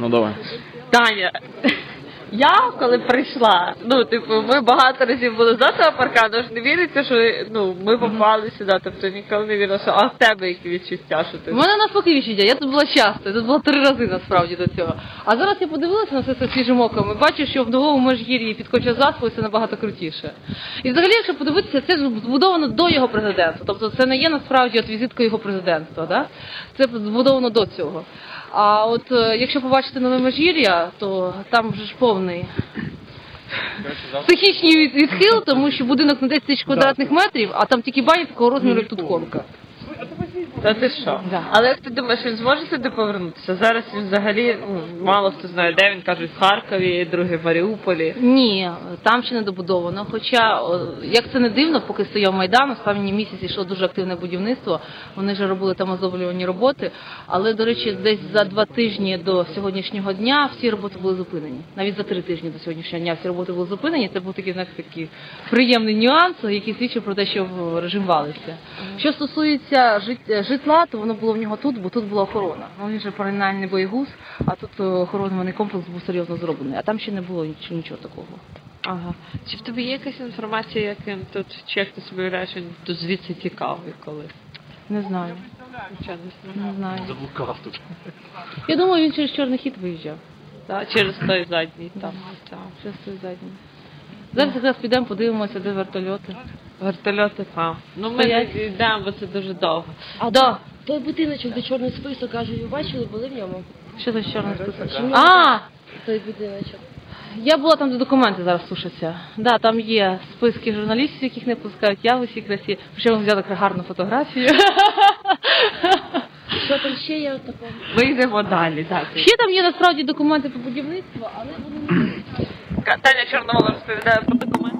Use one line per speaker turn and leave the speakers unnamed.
Ну давай.
Таня, я коли прийшла, ми багато разів були за того паркану, ж не віриться, що ми попали сюди, тобто ніколи не вірила, що в тебе які відчуття, що ти...
У мене навпаки відчуття, я тут була часто, я тут була 3 рази насправді до цього. А зараз я подивилася на це свіжим оком і бачу, що в Новому Межгір'ї під Коча-Заспою це набагато крутіше. І взагалі, якщо подивитися, це збудовано до його президентства, тобто це не є насправді візиткою його президентства, да? Це збудовано до цього. А от якщо побачити Нове Межгір'я, то там вже ж повний психічний відхил, тому що будинок на 10 тисяч квадратних метрів, а там тільки баня такого розміру, як тут конка.
Та ти що?
Да.
Але як ти думаєш, він зможе сюди повернутися? Зараз він взагалі, мало хто знає, де він, кажуть, в Харкові, другий в Маріуполі.
Ні, там ще не добудовано. Хоча, як це не дивно, поки стояв Майдан, останні місяці йшло дуже активне будівництво, вони вже робили там оздоблювані роботи, але, до речі, десь за 2 тижні до сьогоднішнього дня всі роботи були зупинені. Навіть за 3 тижні до сьогоднішнього дня всі роботи були зупинені. Це був такий, такий приємний нюанс, який свідчив про те, що режим валився. Що стосується житла, то воно було в нього тут, бо тут була охорона. Він же паралельний боєгуз, а тут охоронний комплекс був серйозно зроблений, а там ще не було нічого такого.
Ага. Чи в тебе є якась інформація, яким тут, чи як ти собі уявляєш, він тут звідси тікав і коли?
Не знаю. Не знаю.
Заблукав тут.
Я думаю, він через Чорний хід виїжджав.
Так, через той задній там.
Через той задній. Зараз якраз підемо, подивимося, де вертольоти.
Вертольоти, ми не йдемо, бо це дуже довго.
А той будиночок, де чорний список, каже, ви бачили, були в ньому?
Що за чорний список?
Той будиночок.
Я була там, де документи зараз сушаться. Да, там є списки журналістів, яких не пускають, я в усій красі. Причому взяла гарну фотографію.
Що там ще є такого?
Ми йдемо далі, так.
Ще там є насправді документи по будівництву, але вони не...
Таня Чорновола розповідає про документи.